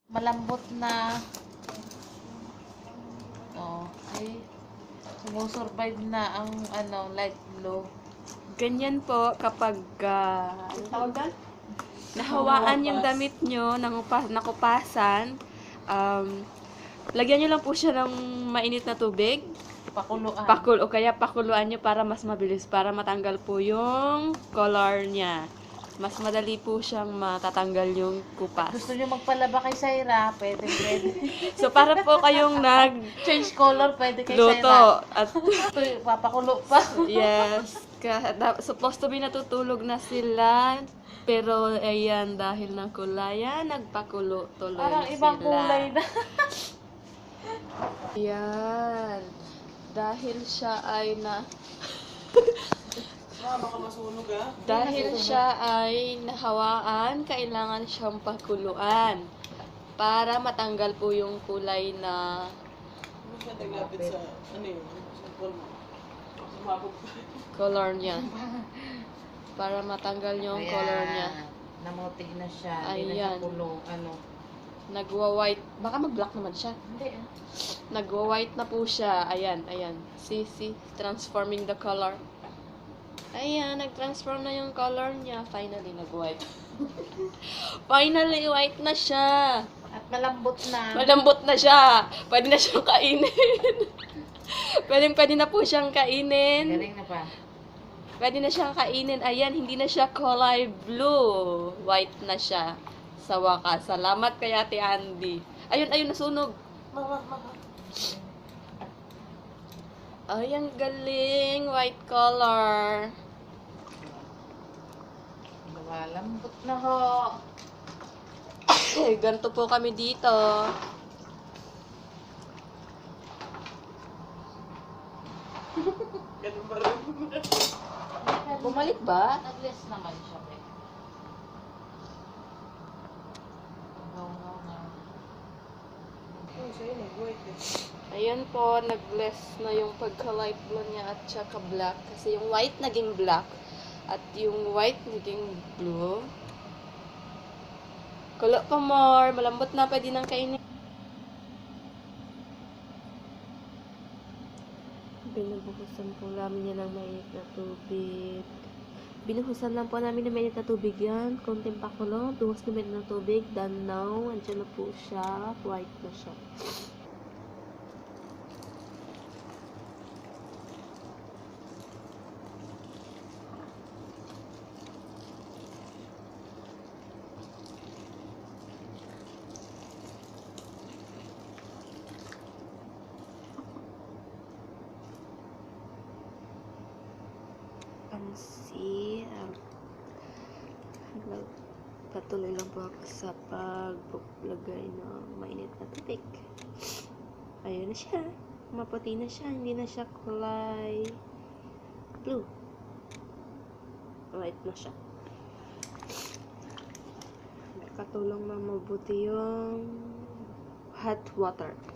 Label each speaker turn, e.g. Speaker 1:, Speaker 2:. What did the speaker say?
Speaker 1: Malambot na. Oh, see? Sumusurvive na ang light blue.
Speaker 2: Ganyan po kapag ano tawag doon? Nahawaan yung damit nyo, nakupasan, lagyan nyo lang po siya ng mainit na tubig.
Speaker 1: Pakuluan.
Speaker 2: O kaya pakuluan nyo para mas mabilis, para matanggal po yung color niya. Mas madali po siyang matatanggal yung kupas.
Speaker 1: Gusto nyo magpalaba kay Syra, pwede.
Speaker 2: So, para po kayong
Speaker 1: Change color, pwede kay
Speaker 2: nagluto.
Speaker 1: Syra.
Speaker 2: At,
Speaker 1: Ito, papakulo pa.
Speaker 2: yes, supposed to be natutulog na sila. Pero, ayan, dahil ng kulayan, nagpakulo tuloy
Speaker 1: Parang
Speaker 2: na
Speaker 1: ibang
Speaker 2: sila.
Speaker 1: kulay na.
Speaker 2: Yan. Dahil siya ay Dahil siya ay nahawaan, kailangan siyang pakuluan para matanggal po yung kulay na color niya. Para matanggal yung color niya.
Speaker 1: Namutig na siya. Hindi na
Speaker 2: Ayan.
Speaker 1: siya pulo.
Speaker 2: Nagwa-white. Baka mag-black naman siya.
Speaker 1: Hindi
Speaker 2: Nagwa-white na po siya. Ayan, ayan. See? Transforming the color. Ayan, nag-transform na yung color niya. Finally, nag-white. Finally, white na siya.
Speaker 1: At malambot na.
Speaker 2: Malambot na siya. Pwede na siyang kainin. Pwede na po siyang kainin.
Speaker 1: Galing na pa.
Speaker 2: Pwede na siyang kainin. Ayan, hindi na siya kulay blue. White na siya. Sa wakas. Salamat kay Ate Andy. Ayun, nasunog. Ay, ang galing. White color.
Speaker 1: Malambot na ho.
Speaker 2: Ganito po kami dito. Bumalik ba?
Speaker 1: Nag-less naman siya.
Speaker 2: Ayan po, nag-less na yung pagka-light blue niya at saka black. Kasi yung white naging black at yung white naging blue. Kulo pa more, malambot na, pwede nang kainin. Binubuhusan po namin yan ng mainit na tubig. Binuhusan lang po namin ng mainit na tubig yan. Konting pakulo, duhos na mainit na tubig. Then now, andyan na po siya. White na siya. See, patuloy lang po ako sa paglagay ng mainit na tubig. Ayun na siya. Maputi na siya. Hindi na siya kulay blue. White na siya. Nakatulong na mabuti yung hot water.